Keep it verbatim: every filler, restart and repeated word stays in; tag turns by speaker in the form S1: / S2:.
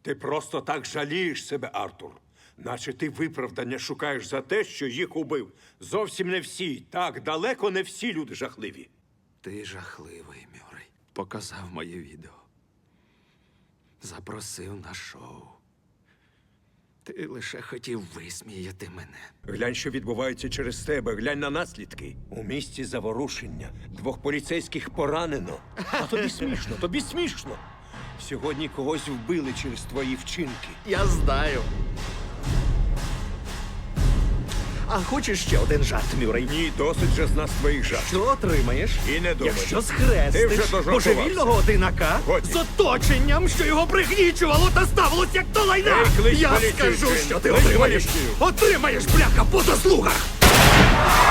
S1: Ти просто так жалієш себе, Артур. Наче ти виправдання шукаєш за те, що їх убив. Зовсім не всі. Так, далеко не всі люди жахливі.
S2: Ти жахливий, Мюррей. Показав моє відео. Запросив на шоу. Ти лише хотів висміяти мене.
S1: Глянь, що відбувається через тебе. Глянь на наслідки. У місті заворушення. Двох поліцейських поранено. А тобі смішно, тобі смішно. Сьогодні когось вбили через твої вчинки.
S2: Я знаю. А хочеш ще один жарт, Мюррей?
S1: Ні, досить же з нас твоїх жартів.
S2: Що отримаєш?
S1: І не думай.
S2: Якщо
S1: Ти
S2: схрестиш
S1: вже дожартувався.
S2: божевільного одинака
S1: Годі.
S2: з оточенням, що його пригнічувало та ставилось як до лайна,
S1: Ей, клич
S2: я
S1: поліцію,
S2: скажу,
S1: Джин.
S2: що ти
S1: Клич
S2: отримаєш.
S1: поліцію.
S2: Отримаєш, бляха, по заслугах!